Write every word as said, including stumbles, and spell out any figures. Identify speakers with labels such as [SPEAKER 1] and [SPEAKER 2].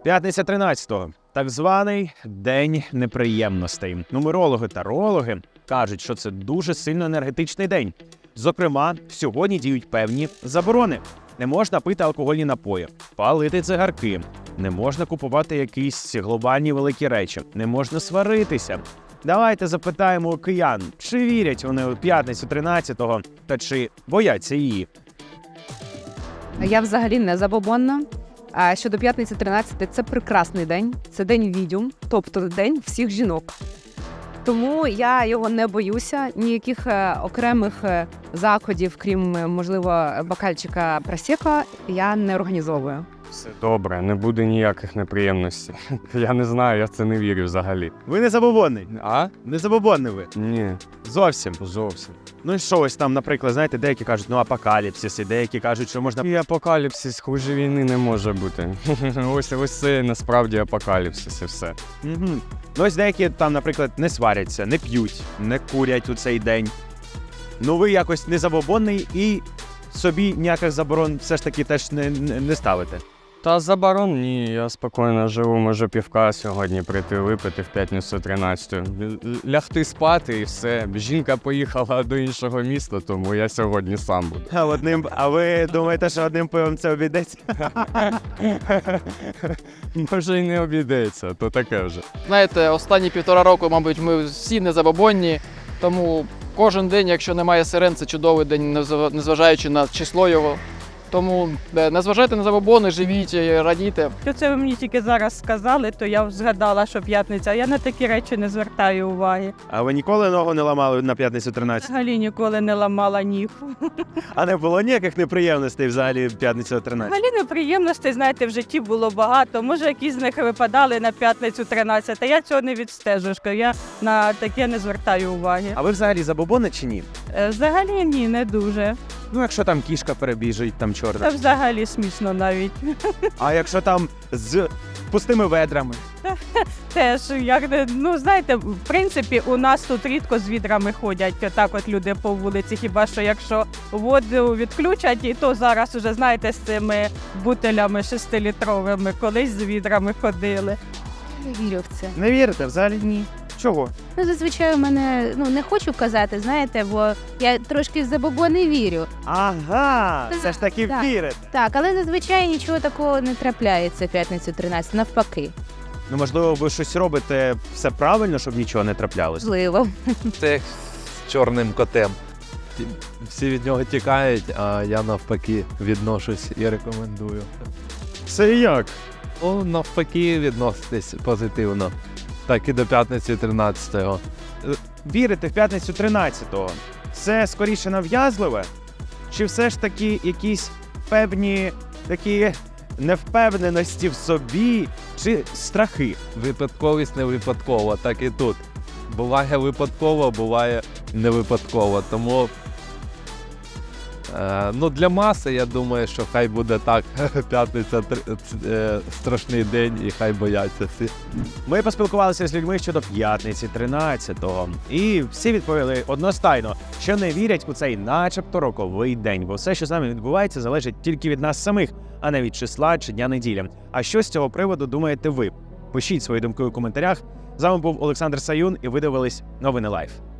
[SPEAKER 1] П'ятниця тринадцятого. Так званий День неприємностей. Нумерологи та тарологи кажуть, що це дуже сильно енергетичний день. Зокрема, сьогодні діють певні заборони. Не можна пити алкогольні напої, палити цигарки, не можна купувати якісь глобальні великі речі, не можна сваритися. Давайте запитаємо у киян, чи вірять вони у п'ятницю тринадцятого та чи бояться її.
[SPEAKER 2] Я взагалі не забобонна. А щодо п'ятниці тринадцятого, це прекрасний день, це день відьом, тобто день всіх жінок. Тому я його не боюся, ніяких е, окремих е, заходів, крім, е, можливо, бокальчика просека, я не організовую.
[SPEAKER 3] Все добре, не буде ніяких неприємностей. Я не знаю, я в це не вірю взагалі.
[SPEAKER 1] Ви не забобонний?
[SPEAKER 3] А?
[SPEAKER 1] Не забобонний ви?
[SPEAKER 3] Ні,
[SPEAKER 1] Зовсім.
[SPEAKER 3] зовсім.
[SPEAKER 1] Ну і що ось там, наприклад, знаєте, деякі кажуть, ну апокаліпсис, і деякі кажуть, що можна...
[SPEAKER 3] І апокаліпсис, хуже війни не може бути. Ось, ось це насправді апокаліпсис і все.
[SPEAKER 1] Угу. Ну ось деякі там, наприклад, не сваряться, не п'ють, не курять у цей день. Ну ви якось не забобонний і собі ніяких заборон все ж таки теж не, не, не ставите.
[SPEAKER 3] Та заборон ні, я спокійно живу, можу півка сьогодні прийти випити в п'ятницю тринадцятого. Лягти спати і все. Жінка поїхала до іншого міста, тому я сьогодні сам буду.
[SPEAKER 1] А одним, а ви думаєте, що одним пивом це обійдеться?
[SPEAKER 3] Може й не обійдеться, то таке вже.
[SPEAKER 4] Знаєте, останні півтора року, мабуть, ми всі незабобонні, тому кожен день, якщо немає сирен, це чудовий день, незав- незважаючи на число його. Тому е, не зважайте на забобони, живіть, е, радійте.
[SPEAKER 5] Що це ви мені тільки зараз сказали, то я згадала, що п'ятниця. Я на такі речі не звертаю уваги.
[SPEAKER 1] А ви ніколи ногу не ламали на п'ятницю тринадцятого?
[SPEAKER 5] Взагалі ніколи не ламала ніг.
[SPEAKER 1] А не було ніяких неприємностей взагалі в п'ятницю тринадцятого?
[SPEAKER 5] Взагалі неприємностей, знаєте, в житті було багато. Може, якісь з них випадали на п'ятницю тринадцятого. Я цього не відстежу, що я на таке не звертаю уваги.
[SPEAKER 1] А ви взагалі забобони чи ні?
[SPEAKER 5] Е, Взагалі ні, не дуже.
[SPEAKER 1] Ну якщо там кішка перебіжить, там
[SPEAKER 5] Це
[SPEAKER 1] чорна.
[SPEAKER 5] взагалі смішно навіть.
[SPEAKER 1] А якщо там з пустими ведрами?
[SPEAKER 5] Теж, як, не- ну знаєте, в принципі, у нас тут рідко з відрами ходять, так от люди по вулиці, хіба що якщо воду відключать, і то зараз уже, знаєте, з цими бутилями шестилітровими, колись з відрами ходили.
[SPEAKER 6] Не вірю в це.
[SPEAKER 1] Не вірите взагалі?
[SPEAKER 6] Ні.
[SPEAKER 1] Чого?
[SPEAKER 6] Ну, зазвичай у мене, ну, не хочу казати, знаєте, бо я трошки в забобони вірю.
[SPEAKER 1] Ага, все ж таки
[SPEAKER 6] Так.
[SPEAKER 1] вірите.
[SPEAKER 6] Так, але зазвичай нічого такого не трапляється в п'ятницю тринадцятого, навпаки.
[SPEAKER 1] Ну, можливо, ви щось робите все правильно, щоб нічого не траплялося?
[SPEAKER 6] Можливо.
[SPEAKER 7] Це як з чорним котем. Ті- Всі від нього тікають, а я навпаки відношусь і рекомендую.
[SPEAKER 1] Це як?
[SPEAKER 7] Ну, навпаки, відноситись позитивно. Так і до п'ятниці тринадцятого.
[SPEAKER 1] Вірите в п'ятницю тринадцятого? Це скоріше нав'язливе? Чи все ж таки якісь певні такі невпевненості в собі, чи страхи?
[SPEAKER 7] Випадковість не випадкова, так і тут. Буває випадково, буває не випадково. Тому е, ну, для маси, я думаю, що хай буде так. П'ятниця тр- е, страшний день і хай бояться всі.
[SPEAKER 1] Ми поспілкувалися з людьми щодо п'ятниці тринадцятого, і всі відповіли одностайно, що не вірять у цей начебто роковий день, бо все, що з нами відбувається, залежить тільки від нас самих, а не від числа чи дня неділі. А що з цього приводу думаєте ви? Пишіть свої думки у коментарях. З вами був Олександр Саюн, і ви дивились Новини Лайф.